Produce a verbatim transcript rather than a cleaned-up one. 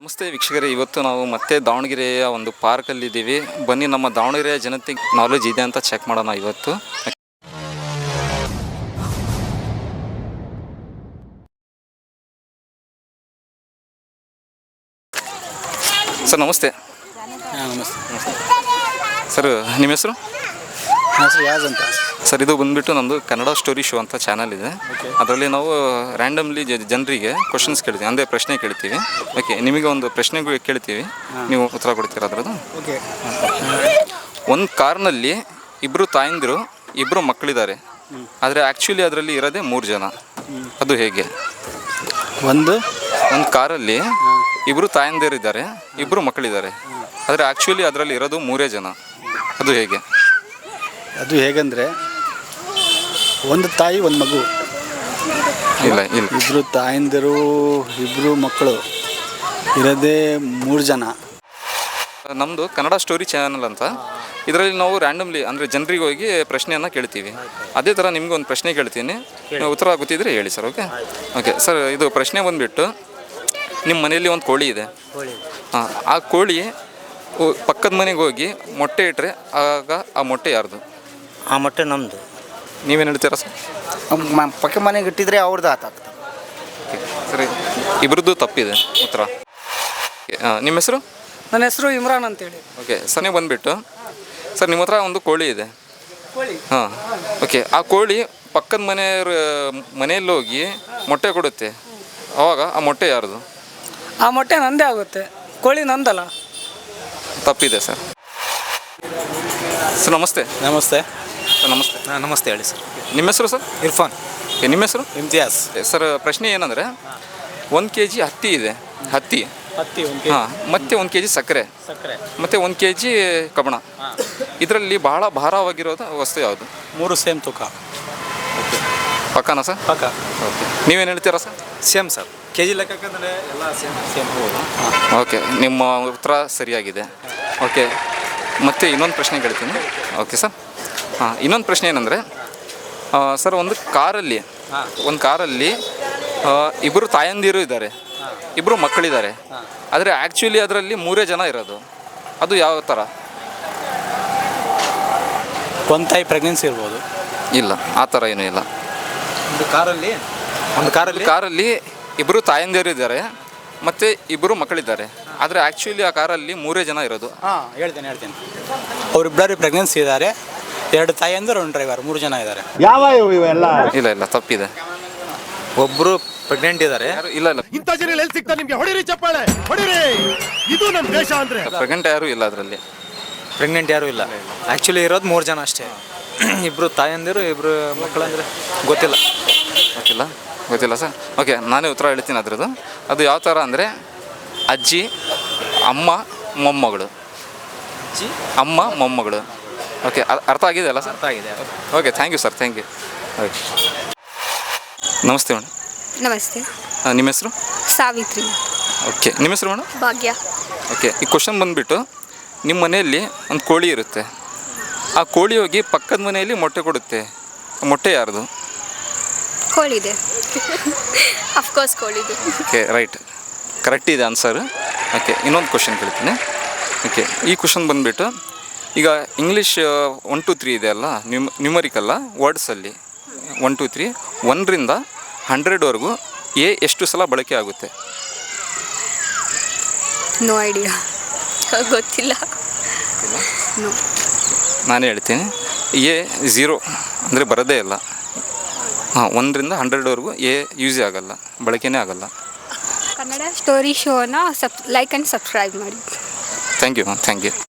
ನಮಸ್ತೆ ವೀಕ್ಷಕರೇ, ಇವತ್ತು ನಾವು ಮತ್ತೆ ದಾವಣಗೆರೆಯ ಒಂದು ಪಾರ್ಕಲ್ಲಿದ್ದೀವಿ. ಬನ್ನಿ ನಮ್ಮ ದಾವಣಗೆರೆಯ ಜನತೆಗೆ ನಾಲೆಜ್ ಇದೆ ಅಂತ ಚೆಕ್ ಮಾಡೋಣ ಇವತ್ತು. ಸರ್ ನಮಸ್ತೆ. ಹಾಂ ನಮಸ್ತೆ. ಸರ್ ನಿಮ್ಮ ಹೆಸರು? ನನ್ನ ಹೆಸರು ಯಾಜ್ ಅಂತ. ಸರ್ ಇದು ಬಂದುಬಿಟ್ಟು ನಮ್ಮದು ಕನ್ನಡ ಸ್ಟೋರಿ ಶೋ ಅಂತ ಚಾನಲ್ ಇದೆ. ಅದರಲ್ಲಿ ನಾವು ರ್ಯಾಂಡಮ್ಲಿ ಜನರಿಗೆ ಕ್ವಶನ್ಸ್ ಕೇಳ್ತೀವಿ, ಅಂದರೆ ಪ್ರಶ್ನೆ ಕೇಳ್ತೀವಿ. ಓಕೆ, ನಿಮಗೆ ಒಂದು ಪ್ರಶ್ನೆಗಳು ಕೇಳ್ತೀವಿ, ನೀವು ಉತ್ತರ ಕೊಡ್ತೀರಾ ಅದರದ್ದು? ಓಕೆ. ಒಂದು ಕಾರ್ನಲ್ಲಿ ಇಬ್ಬರು ತಾಯಂದಿರು ಇಬ್ಬರು ಮಕ್ಕಳಿದ್ದಾರೆ, ಆದರೆ ಆ್ಯಕ್ಚುಲಿ ಅದರಲ್ಲಿ ಇರೋದೇ ಮೂರು ಜನ. ಅದು ಹೇಗೆ? ಒಂದು ಒಂದು ಕಾರಲ್ಲಿ ಇಬ್ಬರು ತಾಯಂದಿರಿದ್ದಾರೆ ಇಬ್ಬರು ಮಕ್ಕಳಿದ್ದಾರೆ, ಆದರೆ ಆ್ಯಕ್ಚುಲಿ ಅದರಲ್ಲಿ ಇರೋದು ಮೂರೇ ಜನ. ಅದು ಹೇಗೆ? ಅದು ಹೇಗಂದರೆ ಒಂದು ತಾಯಿ ಒಂದು ಮಗು. ಇಲ್ಲ ಇಲ್ಲ ಇಬ್ಬರು ತಾಯಂದಿರು ಇಬ್ಬರು ಮಕ್ಕಳು ಇರೋದೇ ಮೂರು ಜನ. ನಮ್ಮದು ಕನ್ನಡ ಸ್ಟೋರಿ ಚಾನಲ್ ಅಂತ. ಇದರಲ್ಲಿ ನಾವು ರ್ಯಾಂಡಮ್ಲಿ ಅಂದರೆ ಜನರಿಗೆ ಹೋಗಿ ಪ್ರಶ್ನೆಯನ್ನು ಕೇಳ್ತೀವಿ. ಅದೇ ಥರ ನಿಮ್ಗೆ ಒಂದು ಪ್ರಶ್ನೆ ಕೇಳ್ತೀನಿ, ಉತ್ತರ ಗೊತ್ತಿದ್ರೆ ಹೇಳಿ ಸರ್. ಓಕೆ ಓಕೆ ಸರ್, ಇದು ಪ್ರಶ್ನೆ ಬಂದುಬಿಟ್ಟು, ನಿಮ್ಮ ಮನೆಯಲ್ಲಿ ಒಂದು ಕೋಳಿ ಇದೆ. ಹಾಂ, ಆ ಕೋಳಿ ಪಕ್ಕದ ಮನೆಗೆ ಹೋಗಿ ಮೊಟ್ಟೆ ಇಟ್ಟರೆ ಆಗ ಆ ಮೊಟ್ಟೆ ಯಾರ್ದು? ಆ ಮೊಟ್ಟೆ ನಮ್ಮದು. ನೀವೇನು ಹೇಳ್ತೀರಾ ಸರ್? ಪಕ್ಕ ಮನೆಗೆ ಇಟ್ಟಿದ್ರೆ ಅವ್ರದ್ದು ಆತಾಗ್ತದೆ. ಸರಿ, ಇಬ್ಬರದ್ದು ತಪ್ಪಿದೆ ಉತ್ತರ. ನಿಮ್ಮ ಹೆಸರು? ನನ್ನ ಹೆಸರು ಇಮ್ರಾನ್ ಅಂತೇಳಿ. ಓಕೆ ಸರ್, ನೀವು ಬಂದುಬಿಟ್ಟು ಸರ್ ನಿಮ್ಮ ಹತ್ರ ಒಂದು ಕೋಳಿ ಇದೆ. ಹಾಂ ಓಕೆ, ಆ ಕೋಳಿ ಪಕ್ಕದ ಮನೆಯವ್ರ ಮನೆಯಲ್ಲಿ ಹೋಗಿ ಮೊಟ್ಟೆ ಕೊಡುತ್ತೆ, ಆವಾಗ ಆ ಮೊಟ್ಟೆ ಯಾರ್ದು? ಆ ಮೊಟ್ಟೆ ನಂದೇ ಆಗುತ್ತೆ, ಕೋಳಿ ನಂದಲ್ಲ. ತಪ್ಪಿದೆ ಸರ್. ಸರ್ ನಮಸ್ತೆ. ನಮಸ್ತೆ ಸರ್ ನಮಸ್ತೆ. ಹಾಂ ನಮಸ್ತೆ, ಹೇಳಿ ಸರ್. ನಿಮ್ಮ ಹೆಸರು ಸರ್? ಇರ್ಫಾನ್. ಓಕೆ, ನಿಮ್ಮ ಹೆಸರು? ಇಮ್ತಿಯಾಸ್. ಸರ್ ಪ್ರಶ್ನೆ ಏನಂದರೆ, ಒಂದು ಕೆ ಜಿ ಹತ್ತಿ ಇದೆ, ಹತ್ತಿ ಹತ್ತಿ ಒಂದು ಹಾಂ, ಮತ್ತು ಒಂದು ಕೆ ಜಿ ಸಕ್ಕರೆ ಸಕ್ಕರೆ ಮತ್ತು ಒಂದು ಕೆ ಜಿ ಕಬ್ಬಣ. ಇದರಲ್ಲಿ ಬಹಳ ಭಾರವಾಗಿರೋದು ವಸ್ತು ಯಾವುದು? ಮೂರು ಸೇಮ್ ತೂಕ. ಓಕೆ, ಪಕ್ಕನಾ ಸರ್? ಪಕ್ಕ. ಓಕೆ, ನೀವೇನು ಹೇಳ್ತೀರಾ sir? Same sir, K G ಲೆಕ್ಕಕ್ಕಂದರೆ ಎಲ್ಲ ಸೇಮ್ ಸೇಮ್. ಓಕೆ, ನಿಮ್ಮ ಉತ್ತರ ಸರಿಯಾಗಿದೆ. ಓಕೆ, ಮತ್ತೆ ಇನ್ನೊಂದು ಪ್ರಶ್ನೆ ಕೇಳ್ತೀನಿ. Okay sir. ಹಾಂ, ಇನ್ನೊಂದು ಪ್ರಶ್ನೆ ಏನಂದರೆ ಸರ್, ಒಂದು ಕಾರಲ್ಲಿ ಒಂದು ಕಾರಲ್ಲಿ ಇಬ್ಬರು ತಾಯಂದಿರು ಇದ್ದಾರೆ, ಇಬ್ಬರು ಮಕ್ಕಳಿದ್ದಾರೆ, ಆದರೆ ಆ್ಯಕ್ಚುಲಿ ಅದರಲ್ಲಿ ಮೂರೇ ಜನ ಇರೋದು. ಅದು ಯಾವ ಥರ? ಒಂದು ತಾಯಿ ಪ್ರೆಗ್ನೆನ್ಸಿ ಇರ್ಬೋದು. ಇಲ್ಲ, ಆ ಥರ ಏನೂ ಇಲ್ಲ. ಒಂದು ಕಾರಲ್ಲಿ ಒಂದು ಕಾರಲ್ಲಿ ಕಾರಲ್ಲಿ ಇಬ್ಬರು ತಾಯಂದಿರು ಇದ್ದಾರೆ ಮತ್ತು ಇಬ್ಬರು ಮಕ್ಕಳಿದ್ದಾರೆ, ಆದರೆ ಆ್ಯಕ್ಚುಲಿ ಆ ಕಾರಲ್ಲಿ ಮೂರೇ ಜನ ಇರೋದು. ಹಾಂ ಹೇಳ್ತೇನೆ ಹೇಳ್ತೇನೆ ಅವರಿಬ್ಬರು ಪ್ರೆಗ್ನೆನ್ಸಿ ಇದ್ದಾರೆ, ಎರಡು ತಾಯಿಯಂದರು ಒಂದು ಡ್ರೈವರ್, ಮೂರು ಜನ ಇದ್ದಾರೆ. ಯಾವ ಇವೆಲ್ಲ? ಇಲ್ಲ ಇಲ್ಲ ತಪ್ಪಿದೆ. ಒಬ್ಬರು ಪ್ರೆಗ್ನೆಂಟ್ ಇದ್ದಾರೆ. ಯಾರು ಇಲ್ಲ ಇಲ್ಲ ಇಂಥ ಜನ ಎಲ್ಲಿ ಸಿಗ್ತಾರೆ ನಿಮ್ಗೆ? ಹೊಡಿರಿ ಚಪ್ಪಾಳೆ, ಹೊಡಿರಿ. ಇದು ನಮ್ಮ ದೇಶ ಅಂದ್ರೆ. ಪ್ರೆಗ್ನೆಂಟ್ ಯಾರು ಇಲ್ಲ ಅದರಲ್ಲಿ. ಪ್ರೆಗ್ನೆಂಟ್ ಯಾರೂ ಇಲ್ಲ. ಆ್ಯಕ್ಚುಲಿ ಇರೋದು ಮೂರು ಜನ ಅಷ್ಟೇ. ಇಬ್ಬರು ತಾಯಂದಿರು ಇಬ್ಬರು ಮಕ್ಕಳಂದರೆ ಗೊತ್ತಿಲ್ಲ. ಗೊತ್ತಿಲ್ಲ ಗೊತ್ತಿಲ್ಲ ಸರ್. ಓಕೆ, ನಾನೇ ಉತ್ತರ ಹೇಳ್ತೀನಿ ಅದ್ರದ್ದು. ಅದು ಯಾವ ಥರ ಅಂದರೆ, ಅಜ್ಜಿ, ಅಮ್ಮ, ಮೊಮ್ಮಗಳು. ಅಜ್ಜಿ, ಅಮ್ಮ, ಮೊಮ್ಮಗಳು. ಓಕೆ, ಅರ್ಥ ಆಗಿದೆ ಅಲ್ಲ ಸರ್? ಅರ್ಥ ಆಗಿದೆ. Okay, thank you sir, thank you. Okay, ನಮಸ್ತೆ ಮೇಡಮ್. ನಮಸ್ತೆ. ನಿಮ್ಮ ಹೆಸರು? ಸಾವಿತ್ರಿ. ಓಕೆ, ನಿಮ್ಮ ಹೆಸರು ಮೇಡಮ್? ಭಾಗ್ಯ. ಓಕೆ, ಈ ಕ್ವಶನ್ ಬಂದುಬಿಟ್ಟು, ನಿಮ್ಮ ಮನೆಯಲ್ಲಿ ಒಂದು ಕೋಳಿ ಇರುತ್ತೆ, ಆ ಕೋಳಿ ಹೋಗಿ ಪಕ್ಕದ ಮನೆಯಲ್ಲಿ ಮೊಟ್ಟೆ ಕೊಡುತ್ತೆ, ಮೊಟ್ಟೆ ಯಾರ್ದು? ಕೋಳಿದೆ. ಅಫ್ಕೋರ್ಸ್ ಕೋಳಿದು. ಓಕೆ, ರೈಟ್, ಕರೆಕ್ಟ್ ಇದೆ ಆನ್ಸರ್. ಓಕೆ, ಇನ್ನೊಂದು ಕ್ವಶನ್ ಕೇಳ್ತೀನಿ. ಓಕೆ, ಈ ಕ್ವಶನ್ ಬಂದುಬಿಟ್ಟು, ಈಗ ಇಂಗ್ಲೀಷ್ ಒನ್ ಟು ತ್ರೀ ಇದೆ ಅಲ್ಲ, ನ್ಯೂಮ್ ನ್ಯೂಮರಿಕಲ್ಲ ವರ್ಡ್ಸಲ್ಲಿ ಒನ್ ಟು ತ್ರೀ ಒನ್ರಿಂದ ಹಂಡ್ರೆಡ್ವರೆಗೂ ಎ ಎಷ್ಟು ಸಲ ಬಳಕೆ ಆಗುತ್ತೆ? ನೋ ಐಡಿಯಾ, ಗೊತ್ತಿಲ್ಲ. ನೋ. ನಾನೇ ಹೇಳ್ತೀನಿ. ಎ ಝೀರೋ ಅಂದರೆ ಬರೋದೇ ಇಲ್ಲ. ಹಾಂ, ಒಂದರಿಂದ ಹಂಡ್ರೆಡ್ವರೆಗೂ ಎ ಯೂಸೇ ಆಗೋಲ್ಲ, ಬಳಕೆನೇ ಆಗೋಲ್ಲ. ಕನ್ನಡ ಸ್ಟೋರಿ ಶೋನ ಸಬ್ ಲೈಕ್ ಆ್ಯಂಡ್ ಸಬ್ಸ್ಕ್ರೈಬ್ ಮಾಡಿ. Thank you ma'am, thank you.